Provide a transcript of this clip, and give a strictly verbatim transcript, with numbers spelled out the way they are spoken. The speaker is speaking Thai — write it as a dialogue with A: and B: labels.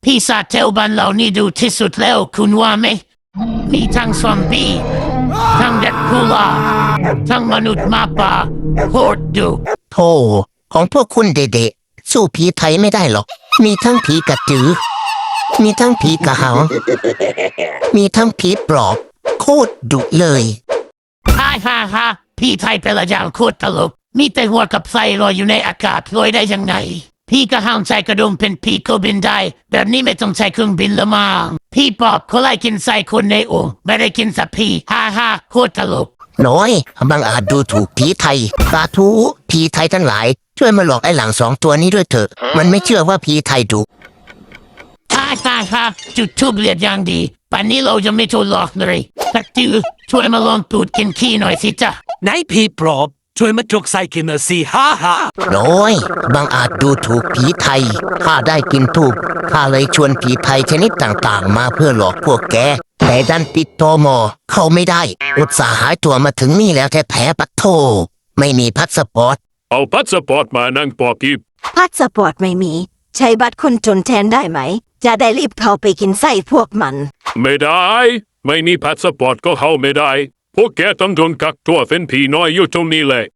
A: พี่ซาเทลบันเหล่านี้ดูที่สุดแล้วคุณว่าไหมมีทั้งซอมบี้ทั้งเด็กพูลาทั้งมนุษย์หมาป่าโคตรดุ
B: โธ่ของพวกคุณเด็กๆสู้ผีไทยไม่ได้หรอกมีทั้งผีกระจือมีทั้งผีกระหังมีทั้งผีปลอบโคตรดุเลย
A: ฮ่าฮ่าฮ่าพี่ไทยเป็นละอย่างโคตรตลกมีแต่หัวกับไส้ลอยอยู่ในอากาศลอยได้ยังไงพี่กระหังใส่กระดุมเป็นพี่ก็บินได้แบบนี้ไม่ต้องใช้เครื่องบินละมั้งพี่ปอบเขาไล่กินไส้คนในโอ่งไม่ได้กินสัตว์พี่ฮ่าฮ่าโคตรตลก
B: น้อยบางอาจดูถูกผีไทยสาธุผีไทยทั้งหลายช่วยมาหลอกไอ้หลังสองตัวนี้ด้วยเถอะมันไม่เชื่อว่าผีไทยดุ
A: ฮ่าฮ่าฮ่าจุดทูบเรียดอย่างดีป่านนี้เราจะไม่ถูกหลอกเลยตักจือช่วยมาลองตูดกินขี้หน่อยสิจ๊ะ
C: ไหนพี่ปลอบช่วยมาจกใส่กินหน่อยสิฮ่าฮ่า
B: น้อยบางอาจดูถูกผีไทยข้าได้กินทูบข้าเลยชวนผีไทยชนิดต่างๆมาเพื่อหลอกพวกแกแต่ดันติดตมเข้าไม่ได้อุตส่าห์หายตัวมาถึงนี่แล้วแท้ๆปัดโทไม่มีพาสปอร์ต
D: เอาพาสปอร์ตมานั่งปอกีบ
E: พาสปอร์ตไม่มี ใช้บัตรคนจนแทนได้ไหม จะได้รีบเข้าไปกินไส้พวกมัน
D: ไม่ได้ ไม่มีพาสปอร์ตก็เข้าไม่ได้ พวกแกต้องโดนกักตัวเป็นผีน้อยอยู่ตรงนี้แหละ